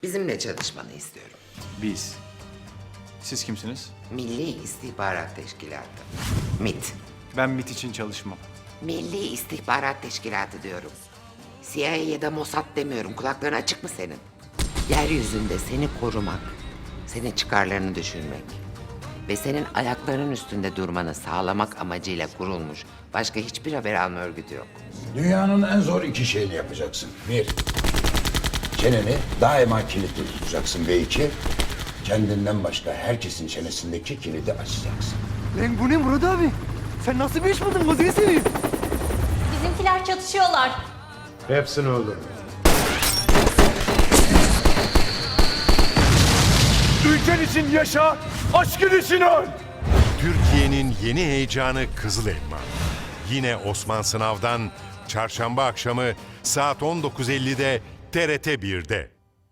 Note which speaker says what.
Speaker 1: Bizimle çalışmanı istiyorum.
Speaker 2: Biz. Siz kimsiniz?
Speaker 1: Milli İstihbarat Teşkilatı. MIT.
Speaker 2: Ben MIT için çalışmam.
Speaker 1: Milli İstihbarat Teşkilatı diyorum. CIA ya da Mossad demiyorum. Kulakların açık mı senin? Yeryüzünde seni korumak, senin çıkarlarını düşünmek ve senin ayaklarının üstünde durmanı sağlamak amacıyla kurulmuş başka hiçbir haber alma örgütü yok.
Speaker 3: Dünyanın en zor iki şeyini yapacaksın. Bir, çeneni daima kilitli tutacaksın. Ve iki, kendinden başka herkesin çenesindeki kilidi açacaksın.
Speaker 4: Lan bu ne Murat abi? Sen nasıl bir iş buldun gözünü seveyim?
Speaker 5: Bizimkiler çatışıyorlar.
Speaker 6: Hepsini öldür.
Speaker 4: Ülken için yaşa, aşkın için öl.
Speaker 7: Türkiye'nin yeni heyecanı Kızıl Elma. Yine Osman Sınav'dan çarşamba akşamı saat 19.50'de TRT 1'de.